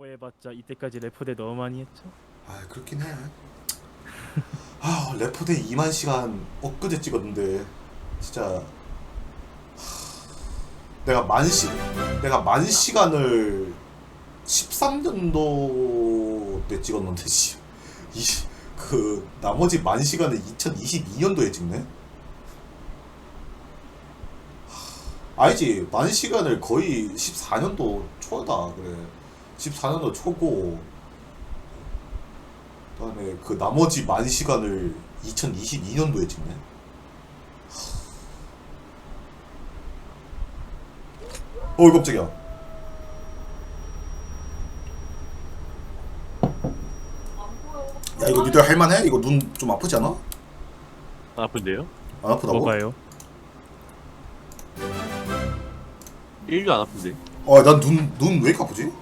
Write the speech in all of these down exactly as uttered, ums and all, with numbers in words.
해봤자 이때까지 레포대 너무 많이 했죠. 아 그렇긴 해. 아 레포대 이만 시간 엊그제 찍었는데 진짜 하, 내가 만 시, 내가 만 시간을 십삼 년도 때 찍었는데 씨, 이, 그 나머지 만 시간을 이천이십이 년도에 찍네. 하, 알지? 만 시간을 거의 십사 년도 초다. 그래, 십사 년도 초고 그다음에 그 나머지 만 시간을 이천이십이 년도에 찍네. 어이 깜짝이야. 야 이거 니들 할만해? 이거 눈 좀 아프지 않아? 아픈데요? 안 아프다고? 뭐가요? 일도 안 아픈데. 어난 눈 눈 왜 이렇게 아프지?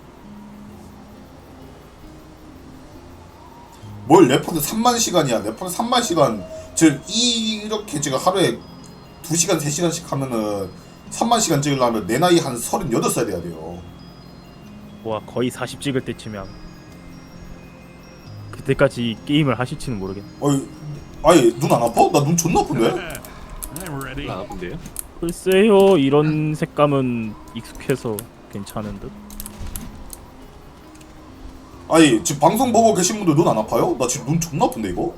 뭘 레포드 삼만 시간이야. 레포드 삼만 시간 즉 이렇게 지금 하루에 두 시간 세 시간씩 하면은 삼만 시간 찍으려면 내 나이 한 서른여덟 살 돼야 돼요. 와 거의 사십 찍을 때쯤이야. 그때까지 게임을 하실지는 모르겠네. 어이 아니 눈 안 아파? 나 눈 존나 아픈데? 일도 안 아픈데요? 글쎄요, 이런 색감은 익숙해서 괜찮은 듯. 아니 지금 방송 보고 계신 분들 눈 안 아파요? 나 지금 눈 존나 아픈데 이거?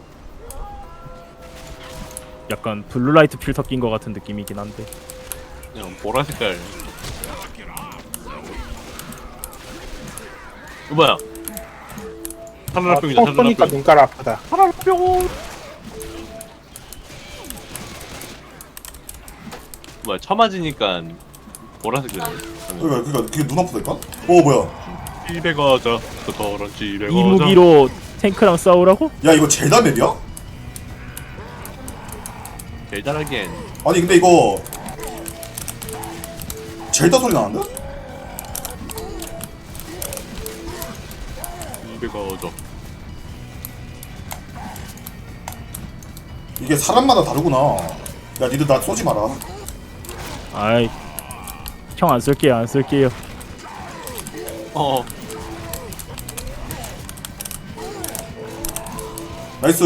약간 블루라이트 필터 낀 것 같은 느낌이긴 한데. 그냥 보라 색깔. 이거 뭐야? 아, 하늘병이다. 또 쏘니까 눈깔 아프다. 하늘병. 뭐야? 처맞으니까 보라색 되네. 그러니까 그러니까 그게 눈 아프다니까? 어 뭐야? 집에 가자. 그 더러운 집에 가자. 이 무기로 탱크랑 싸우라고? 야 이거 젤다 맵이야? 제일 잘하기엔 아니 근데 이거 젤다 소리 나는데? 집에 가자. 이게 사람마다 다르구나. 야 니들 나 쏘지 마라. 아이, 형 안 쓸게요, 안 쓸게요. 어. 나이스.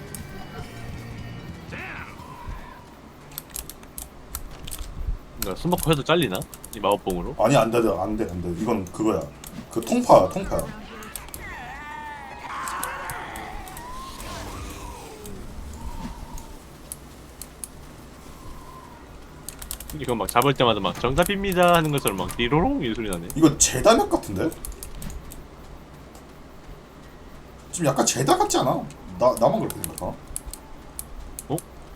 나 숨먹고 해도 잘리나? 이 마법봉으로? 아니 안돼 안돼 안돼. 이건 그거야. 그 통파야 통파야. 이거 막 잡을 때마다 막 정답입니다 하는 것처럼 막 띠로롱 이 소리 나네. 이거 제다 맵 같은데? 좀 약간 제다 같지 않아? 나 나만 그렇게 생각하나? 어?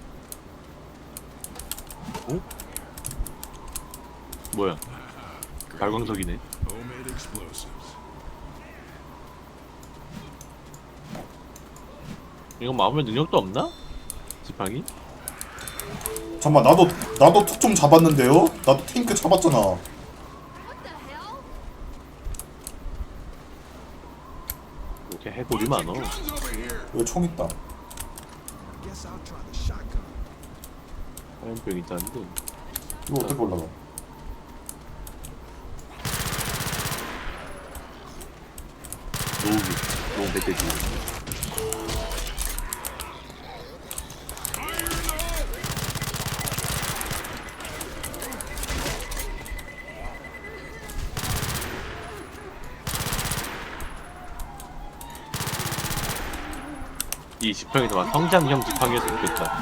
어? 뭐야? 발광석이네. 이건 마음의 능력도 없나? 지팡이? 잠깐만 나도 나도 턱 좀 잡았는데요? 나도 탱크 잡았잖아. 이렇게 해골이 많어. 여기 총 있다. 화염병 있다는데. 이거 어떻게 올라가? 노우기. 노우 멧돼지. 이 지팡이도 막 성장형 지팡이였으면 좋겠다.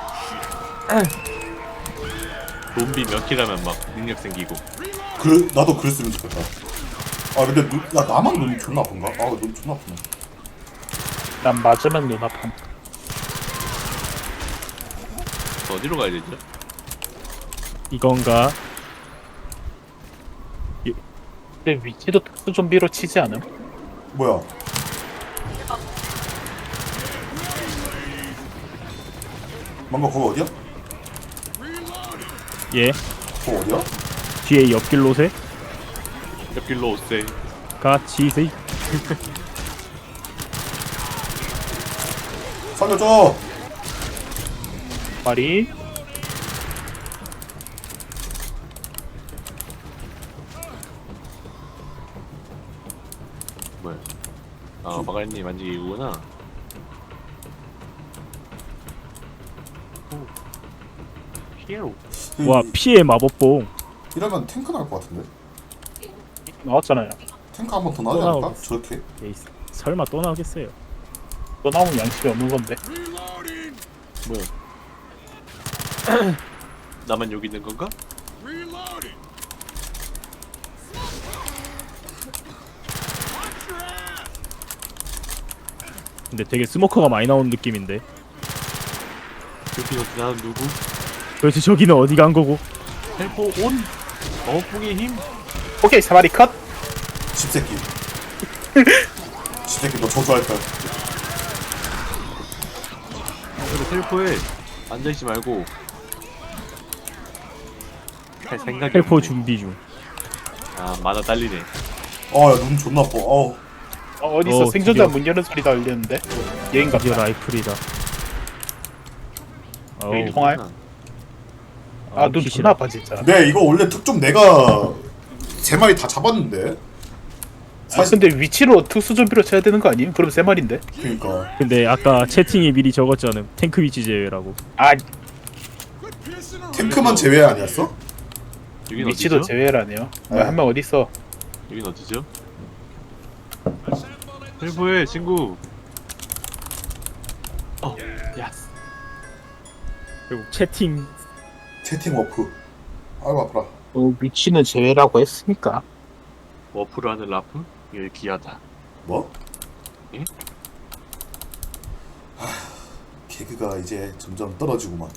좀비 몇 킬하면 막 능력 생기고. 그 나도 그랬으면 좋겠다. 아 근데 눈, 야 나만 눈이 존나 아픈가? 아 눈 존나 아프네. 난 맞으면 눈 아픔. 어디로 가야 되죠? 이건가? 근데 위치도 특수 좀비로 치지 않음? 뭐야? 뭔가 거기 어디야? 예, 거기 어디야? 뒤에 옆길 로세 옆길로 오세요. 같이 세. 살려줘! 말이 마가리님 만지기구나. 오. 피에로. 와 피해 마법봉. 이러면 탱크 나올 것 같은데? 나왔잖아요. 탱크 한 번 더 나오지 또 않을까? 나오겠어. 저렇게? 에이, 설마 또 나오겠어요? 또 나오면 양심이 없는 건데. 뭐야? 나만 여기 있는 건가? 근데 되게 스모커가 많이 나오는 느낌인데. 여기 어디 나는 누구? 도대체 저기는 어디 간 거고? 헬포 온. 어풍의 힘. 오케이 사마리 컷. 집새끼. 집새끼 너 저주할 거야. 그래 헬포에 앉아 있지 말고. 할 생각이. 헬포 없네. 준비 중. 아 마다 딸리네. 아야 눈 존나 아파. 어우. 어, 어디서 어, 생존자 드디어. 문 여는 소리가 울리는데. 여긴 드디어 같다. 라이플이다. 어우, 여기 통할? 아 눈 피시라. 존나 아파 진짜. 네 이거 원래 특종 내가 세 마리 다 잡았는데. 아 근데 위치로 특수 좀비로 쳐야 되는 거 아님? 그럼 세 마리인데. 그니까. 근데 아까 채팅이 미리 적었잖아. 탱크 위치 제외라고. 아 탱크만 제외 아니었어? 여긴 위치도 어디죠? 제외라네요. 네. 한 명 어디 있어? 여긴 어디죠? 헬포에 친구. 어, 야스. 결국 채팅 채팅 워프. 아이고 아파라. 어, 위치는 제외라고 했으니까. 워프를 하는 라프? 이게 귀하다. 뭐? 예? 하, 개그가 이제 점점 떨어지구만.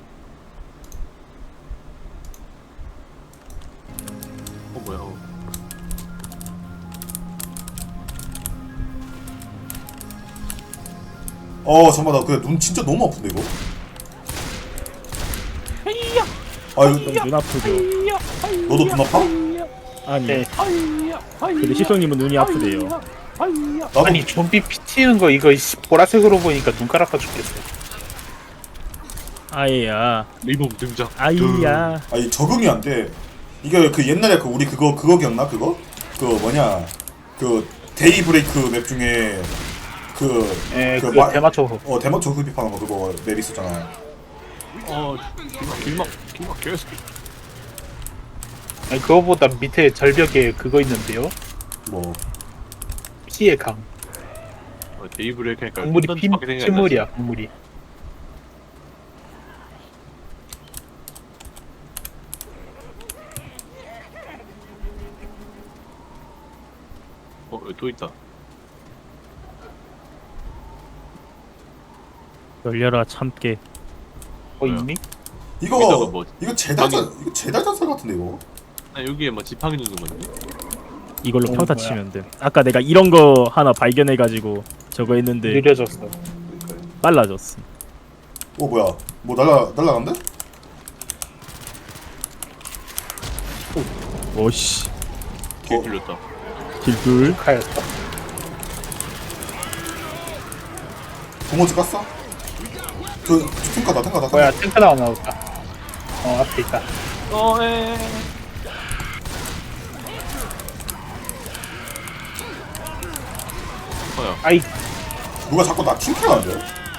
어 뭐야? 어. 어 잠깐만 나 그래 눈 진짜 너무 아픈데 이거. 아 이거 눈 아프죠. 너도 눈 아파? 아니 네. 근데 시성님은 눈이 아프대요. 나도. 아니 좀비 피 튀는 거 이거 씨, 보라색으로 보니까 눈깔 아파 죽겠어. 아이야 리본 등장. 아이야. 아니 적응이 안 돼. 이게 그 옛날에 그 우리 그거 그거 기억나 그거? 그 뭐냐 그 데이 브레이크 맵 중에 그 에, 그 그 마- 대마초. 어 대마초 흡입하는 거 그거 맵 있었잖아. 어, 길막 길막 길막 계속. 아니 그거보다 밑에 절벽에 그거 있는데요. 뭐 피의 강. 어, 데이브레이크 하니까 강물이 피, 콘던트밖에 생각이 안 나지. 피물이야 강물이. 어, 여기 또 있다. 열려라 참깨. 어 뭐야? 있니? 이거 여기다가 뭐- 이거 제달전 이거 제달전설 같은데 이거. 아, 여기에 뭐 지팡이 누는 건데. 이걸로 어, 평타 뭐야. 치면 돼. 아까 내가 이런 거 하나 발견해가지고 저거 했는데 느려졌어. 빨라졌어. 어 뭐야 뭐 날라 날라간대? 오씨 길 어. 뚫렸다. 길둘. 카였어. 고모지 깠어? 저 탱카다 탱카다 뭐야 탱카. 탱크 나와 나왔다. 어 앞에 있다. 어, 에. 뭐야? 아이 누가 자꾸 나 킹크하는데?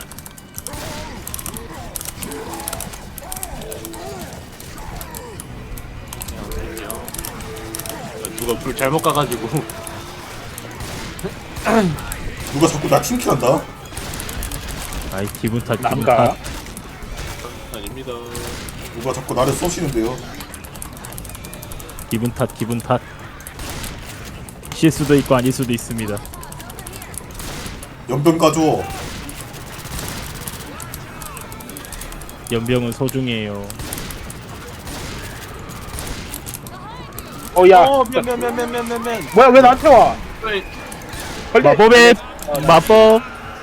누가 불 잘못 가가지고. 누가 자꾸 나 킹크한다? 아이 기분 탓 기분 남가. 탓. 아닙니다. 누가 자꾸 나를 쏘시는데요? 기분 탓 기분 탓. 실 수도 있고 아닐 수도 있습니다. 연병 가져. 연병은 소중해요. 어야. 어, 면, 면, 면, 면, 면, 면, 면. 뭐야 왜 나한테 와? 왜? 걸려. 마법의 마법.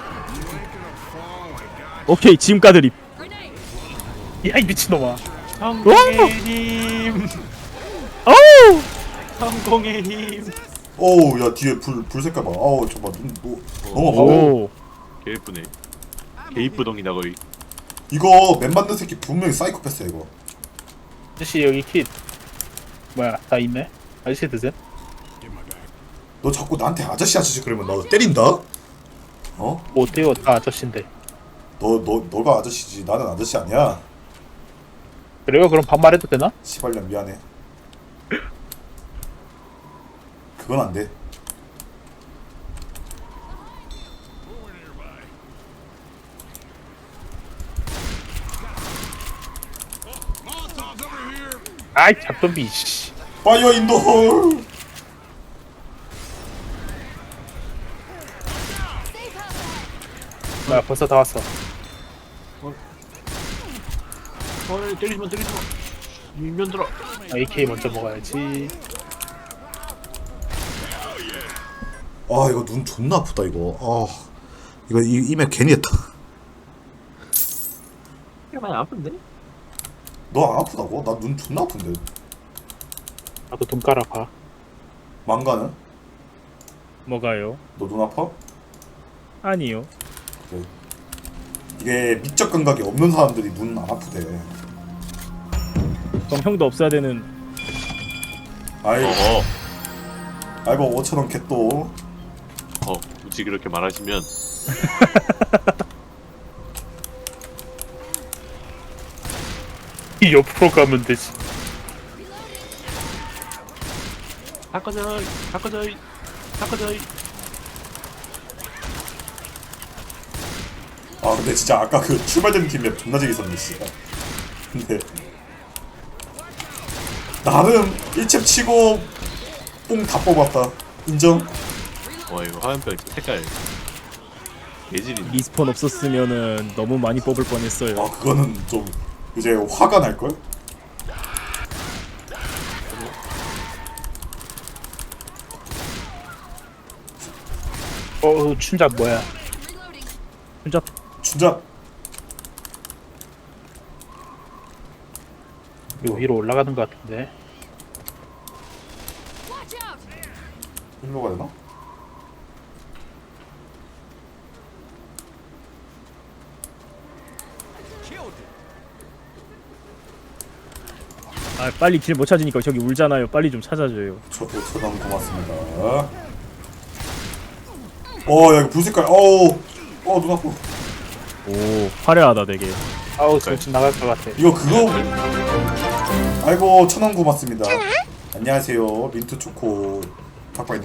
오케이 지금까 드립. 야이 미친놈아. 성공의 힘. 어우. 성공의 힘. 어우 야 뒤에 불 불 색깔 봐. 어우 잠깐 눈 뭐, 너무 아파. 오. 개 예쁘네. 개 이쁘덩이다 거의. 이거 맵 만든 새끼 분명히 사이코패스야 이거. 아저씨 여기 킷. 뭐야 다 있네. 아저씨 드세요? 너 자꾸 나한테 아저씨 아저씨 그러면 나 때린다? 어? 뭐 어때요? 다 아저씨인데. 너, 너, 너가 아저씨지. 나는 아저씨 아니야. 그래요? 그럼 반말해도 되나? 시발년 미안해. 그건 안 돼. 아이 잡던비 씨. 파이어 인더 홀. 나 벌써 다 왔어. 어 때리지마 때리지마. 일면 들어. 아, 에이케이 먼저 먹어야지. 아 이거 눈 존나 아프다 이거. 아 이거 이 이메 괜히 했다. 많이 아픈데? 너 안 아프다고? 나 눈 존나 아픈데. 나도 돈 깔아봐. 망가는? 뭐가요? 너 눈 아파? 아니요. 그래. 이게 미적 감각이 없는 사람들이 눈 안 아프대. 그럼 형도 없어야 되는. 아이 어어. 아이고 오천 원 겟도. 어 굳이 그렇게 말하시면 이 옆으로 가면 되지. 바꿔줘이 바꿔줘이 바꿔줘이. 아 근데 진짜 아까 그 출발되는 팀맵 존나 재밌었네 씨발. 근데 나름 일 챕 치고 뽕 다 뽑았다. 인정? 와 이거 화면별 색깔 예질이. 리스폰 없었으면은 너무 많이 뽑을 뻔했어요. 아 그거는 좀 이제 화가 날걸? 어 춘잡 뭐야? 혼자 춘자 이거 위로 올라가는 것 같은데. 일로 가야 되나? 아 빨리 길 못 찾으니까 저기 울잖아요. 빨리 좀 찾아줘요. 저도 저당 고맙습니다. 어, 야, 이거 불색깔, 어우, 어, 눈 아파. 오 화려하다 되게. 아우 정신 나갈 것 같아. 이거 그거, 아이고, 천원 고맙습니다. 안녕하세요, 민트 초코 탁발님.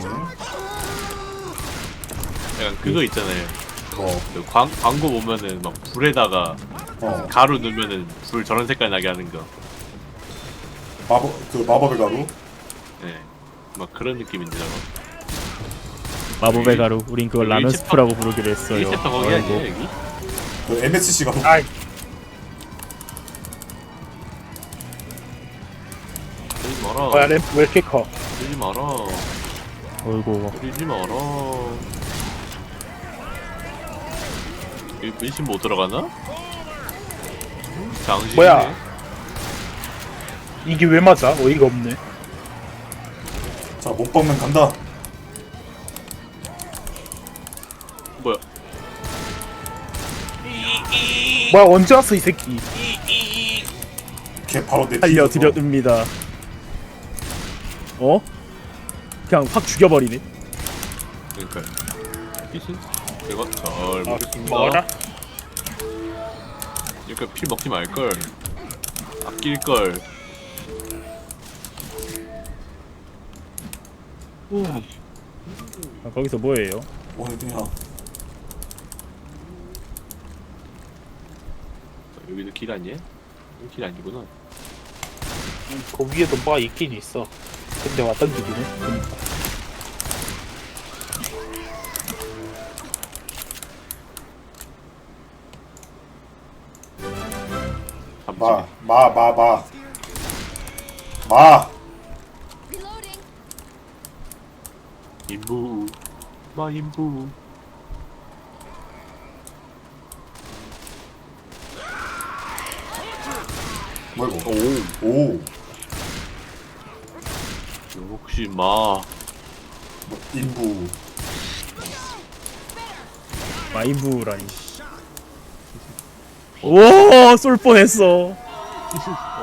약간 그거 있잖아요. 어, 그 광, 광고 보면은 막 불에다가 어, 가루 넣으면은 불 저런 색깔 나게 하는 거. 마법, 그 마법의 가루. 네. 막 그런 느낌인데 저거. 마법의 가루. 우린 그걸 라면 일체파- 스프라고 부르기로 했어요. 일 챕터 거기 아이고. 아니에요 여기? 그 엠에스씨 가루. 아이 그러지 마라. 뭐야 램프 왜 이렇게 커? 그러지 마라. 어이구. 그러지 마라. 여기 분신 못 들어가나? 장신이네. 뭐야? 이게 왜 맞아? 어이가 없네. 자, 못 박는 간다. 뭐야? 뭐야 언제 왔어 이 새끼? 걔 바로 내 알려드렸습니다. 어? 그냥 확 죽여버리네. 그러니까. 피신? 내가 잘 아, 먹겠습니다. 먹어라. 그러니까 피 먹지 말걸. 아낄걸. 아, 거기서 뭐예요? 오늘 그냥 여기도 길 아니야? 여기 길 아니구나. 그 위에도 뭐가 있긴 있어. 근데 왔던 길이네. 그러니까. 마, 마, 마, 마, 마. 인부. 마 인부. 뭐 이거? 오. 오, 역시 마. 뭐, 인부. 마인부라니. 오, 쏠 뻔했어.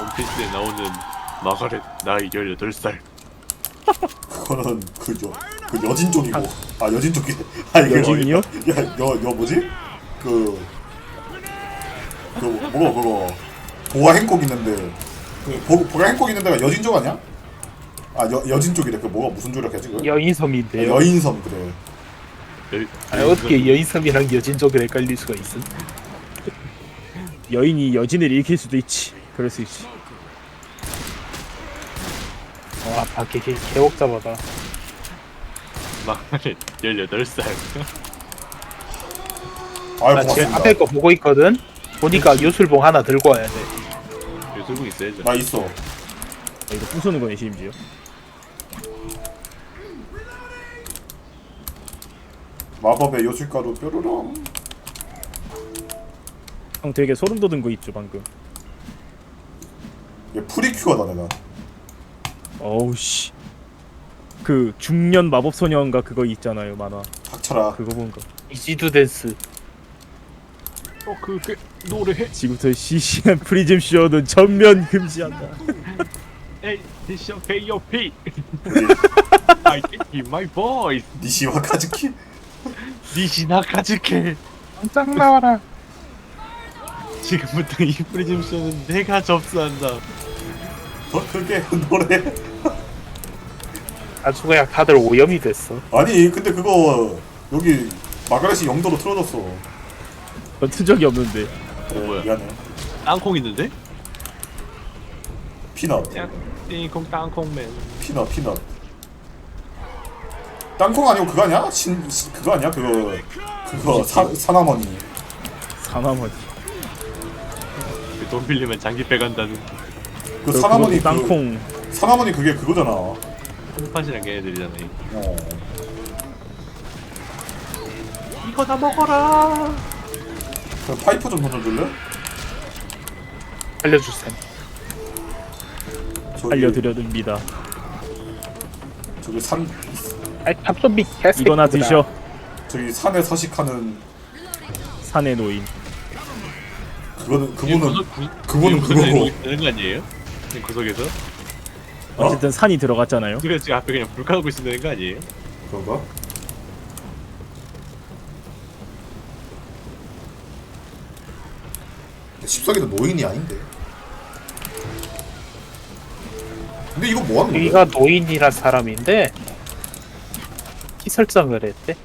원피스에 나오는 마가렛 나이 열여덟 살. 그거는 그, 여, 그 그 여진 쪽이고. 아 여진 쪽이. 아 이거 여진이요? 야여여 뭐지? 그. 그 뭐가 그거 보아 행콕 있는데 그 보, 보아 행콕 있는 데가 여진 쪽 아니야? 아 여, 여진 쪽이래. 그 뭐가 무슨 조력 해지 그? 여인섬인데요. 아, 여인섬 그래. 여- 아니, 어떻게 여인섬이랑 여진족을 헷갈릴 수가 있음? 여인이 여진을 일으킬 수도 있지. 그럴 수 있지. 와 밖에 개, 개옥잡아다. 막 열여덟 살. 아유 나 지금 고맙습니다. 앞에 거 보고 있거든. 보니까 요술봉 하나 들고 와야 돼. 요술국 있어야죠. 나 있어. 아, 이거 부수는 거네 심지어. 마법의 요술가루 뾰로롱. 형 되게 소름 돋은 거 있죠 방금. 얘 프리큐어다 내가. 어우 씨. 그 중년 마법 소녀인가 그거 있잖아요 만화. 닥쳐라. 그거 본 거. 이지두 댄스. 어 그게 노래해. 지금부터 시시한 프리즘 쇼는 전면 금지한다. 에이 디션 pay your fee. 우리 I can hear my voice. 니시와 카즈키. 니시나 카즈케. 짱 나와라. 지금부터 이 프리즘 쇼는 내가 접수한다. 더 크게 노래. 아주 그냥 다들 오염이 됐어. 아니 근데 그거 여기 마가렛이 영도로 틀어줬어. 전 튼 적이 없는데. 그래, 뭐야? 미안해. 땅콩 있는데? 피넛. 띵콩 땅콩맨. 피넛 피넛. 땅콩 아니고 그거 아니야? 신, 신 그거 아니야? 그거 그거 사, 사나머니. 사나머니. 그돈 빌리면 장기 빼간다는 그 사나머니 그 땅콩. 사나머니 그게 그거잖아. 콩팥이랑 걔네들이잖아. 어. 이거 다 먹어라. 그 파이프 좀 던져줄래? 알려주셈. 저기, 알려드려듭니다. 저기 산 아이 탑소비 개새. 이거나 드셔. 저기 산에 서식하는 산의 노인. 그거는 그분은 구석- 구- 그분은 구석에서 그거고. 이러고 되는 거 아니에요? 구석에서? 어? 어쨌든 산이 들어갔잖아요. 그래서 지금 앞에 그냥 불 켜고 있으면 되는 거 아니에요? 그런가? 십석이도 노인이 아닌데. 근데 이거 뭐 하는 거야? 여기가 노인이란 사람인데 키 설정을 했대.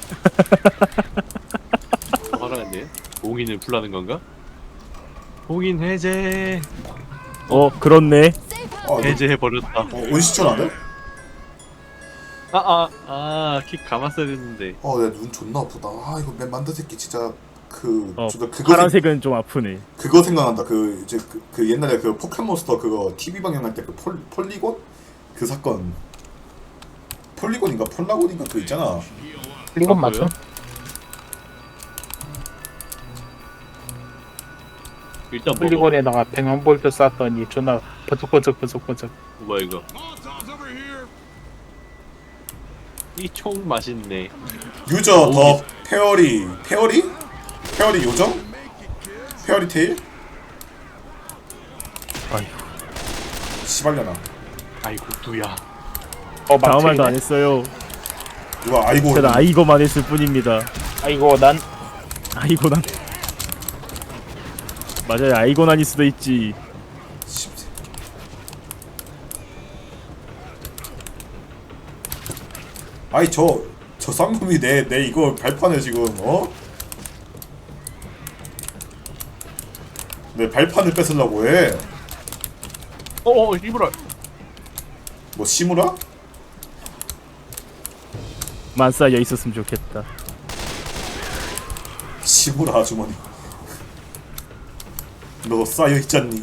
화나는데? 봉인을 풀라는 건가? 봉인 해제. 어 그렇네. 아, 너, 해제해 버렸다. 어, 온시천 안 돼? 아아아킥 감았어야 됐는데. 어, 내 눈 존나 아프다. 아, 이거 맨 만든 새끼 진짜 그 어 진짜 그거 생, 파란색은 좀 아프네. 그거 생각난다. 그 이제 그, 그 옛날에 그 포켓몬스터 그거 티비 방영할 때 그 폴리곤 그 사건. 폴리곤인가 폴라곤인가 그 있잖아. 이건 아, 맞죠? 그래요? 일단 먹어. 폴리곤에다가 백만 볼트 쐈더니 존나 버쩍버쩍 버쩍버쩍. 뭐야 이거? 이 총 맛있네. 유저 더 페어리 페어리? 페어리 요정? 페어리 테일? 아이고. 시발려나. 아이고 두야. 어 다음 말도 안 맞네. 했어요. 누가 아이고 저는 아이고만 했을 뿐입니다. 아이고 난 아이고난. 맞아요. 아이고난일 수도 있지. 십- 아이 저 저 쌍놈이 내 내 이거 발판을 지금 어? 내 발판을 뺏으려고 해. 어어 이브라. 뭐 시무라? 만 쌓여 있었으면 좋겠다. 시무라 아주머니. 너 쌓여 있잖니.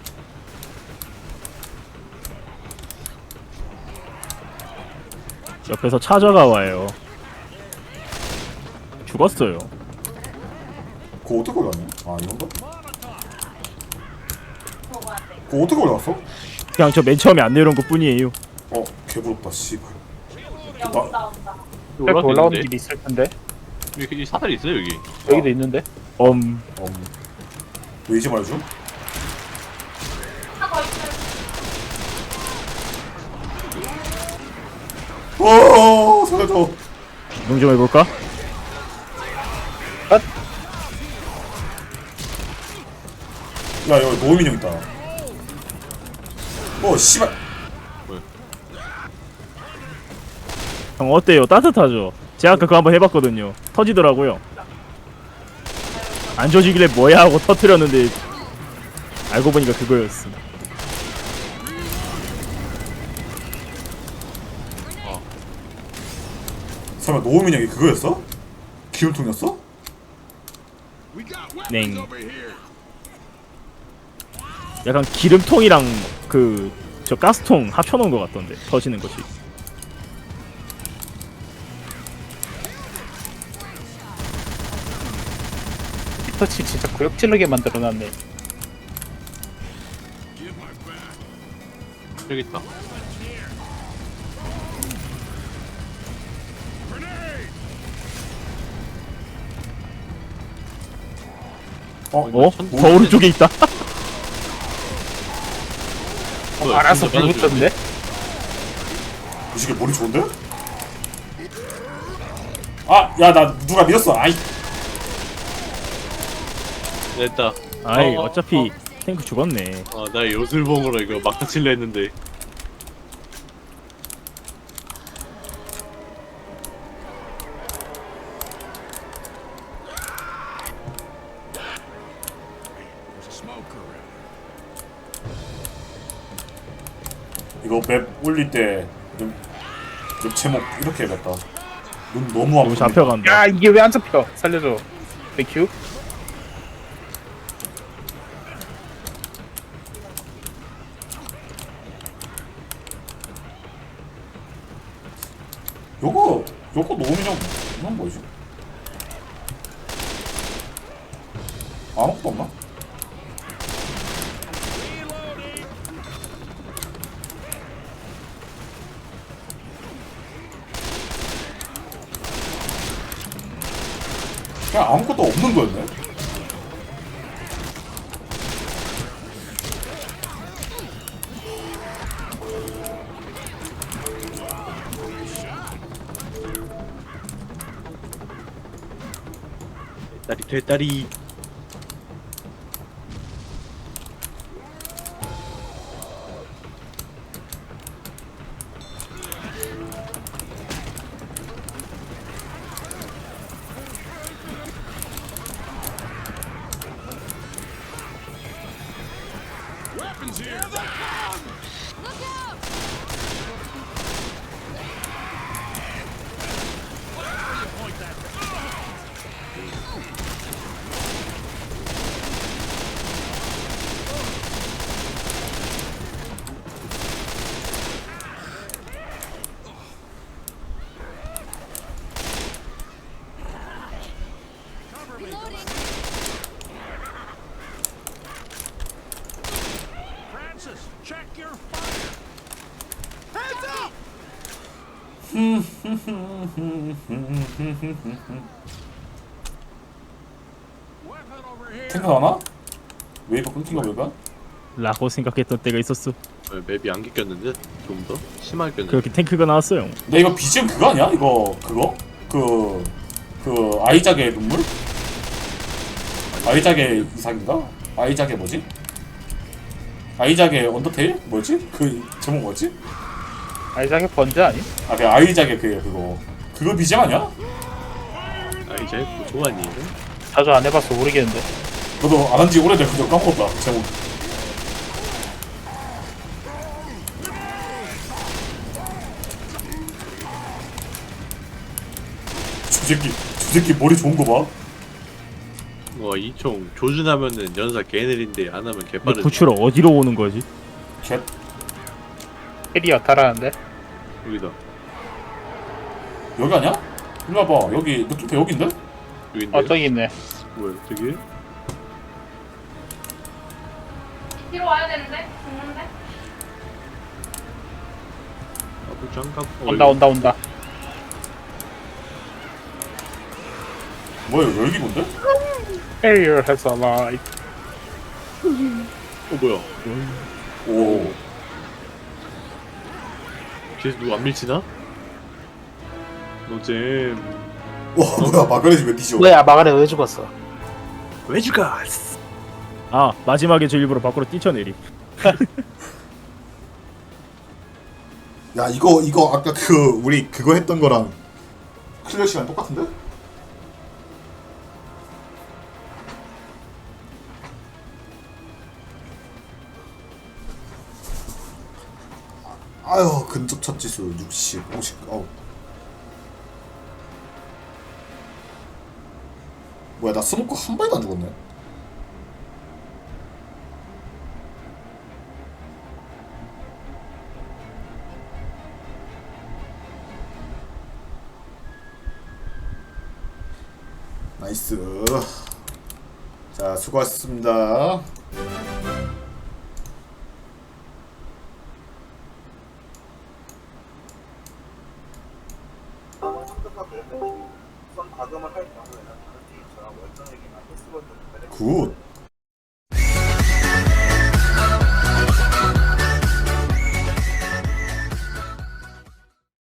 옆에서 찾아가 와요. 죽었어요. 그거 어떻게 올라왔냐? 아 이건가? 그거 어떻게 올라왔어? 그냥 저 맨 처음에 안 내려온 것 뿐이에요. 어 개부럽다 씨발. 나 이렇게 올라오는 길이 있을 텐데. 여기 사다리 있어요 여기. 여기도 있는데. 엄. 음. 왜 이제 말해줘? 어 살려줘. 이동 좀 해볼까? 야 여기 노우민 형 있다. 어 씨발. 형 어때요? 따뜻하죠? 제가 아까 그거 한번 해봤거든요. 터지더라고요. 안 조지길래 뭐야 하고 터트렸는데 알고 보니까 그거였어. 설마 노우민 형이 그거였어? 기름통이었어? 냉. 약간 기름통이랑 그 저 가스통 합쳐놓은 것 같던데 터지는 것이. 피터치 진짜 구역질르게 만들어놨네. 여기 있다. 어? 어? 천- 더 오른쪽에 있다. 어, 뭐야, 알아서 진짜 불 붙었네. 이 새끼 머리 좋은데? 아! 야 나 누가 밀었어. 아이. 됐다. 아이 어, 어, 어차피 탱크 죽었네. 어, 나 요술봉으로 이거 막타 칠려 했는데. 이거 맵 올릴 때 좀, 맵 제목 이렇게 해야겠다. 눈 너무 너무 아프니까. 잡혀간다. 야 이게 왜 안 잡혀? 살려줘. 땡큐. 요거 요거 노우민 형 이건 뭐지? 아무것도 없나? 그냥 아무것도 없는 거였네? 다리 되다리. 탱크 나나? 웨이브 끊긴가 웨이브? 라고 생각했던 때가 있었어. 어, 맵이 안 꼈는데 좀 더 심하게 꼈는데. 그렇게 탱크가 나왔어요. 근데 이거 비지엠 그거 아니야? 이거 그거? 그... 그 아이작의 눈물? 아이작의 이삭인가? 아이작의 뭐지? 아이작의 언더테일? 뭐지? 그 제목 뭐지? 아이작의 번제 아니? 아 그 아이작의 그 그거 그거 비지엠 아니야? 아 이제 뭐 좋아하니? 자주 안 해봐서 모르겠는데. 너도 안 한지 오래돼 그거 까먹었다 제목. 저 새끼 저 새끼 머리 좋은 거 봐. 와이 총 조준하면은 연사 개느린데 안 하면 근데 개빠르. 구출 어디로 오는 거지? 개 캐리어 타라는데. 여기다. 여기 아니야? 일로 와봐. 여기 느낌표 여긴데? 여긴데. 어 저기 있네. 뭐야 저기? 뒤로 와야 되는데? 죽는데? 아부 장갑. 어, 온다 여기. 온다 온다. 뭐야 여기 뭔데? Carrier has arrived. 어 뭐야? 오. 뒤에서 누구 안 밀치나? 노잼. 와 뭐야 마가렛이 왜 뒤져? 뭐야 마가네 왜 죽었어? 왜 죽었어? 아 마지막에 저 일부러 밖으로 뛰쳐내리. 야 이거 이거 아까 그 우리 그거 했던 거랑 클리어 시간 똑같은데? 아유 근접 처치수 육십, 오십. 어우. 뭐야 나 스모크 한 발도 안 죽었네. 나이스. 자 수고하셨습니다. 굿.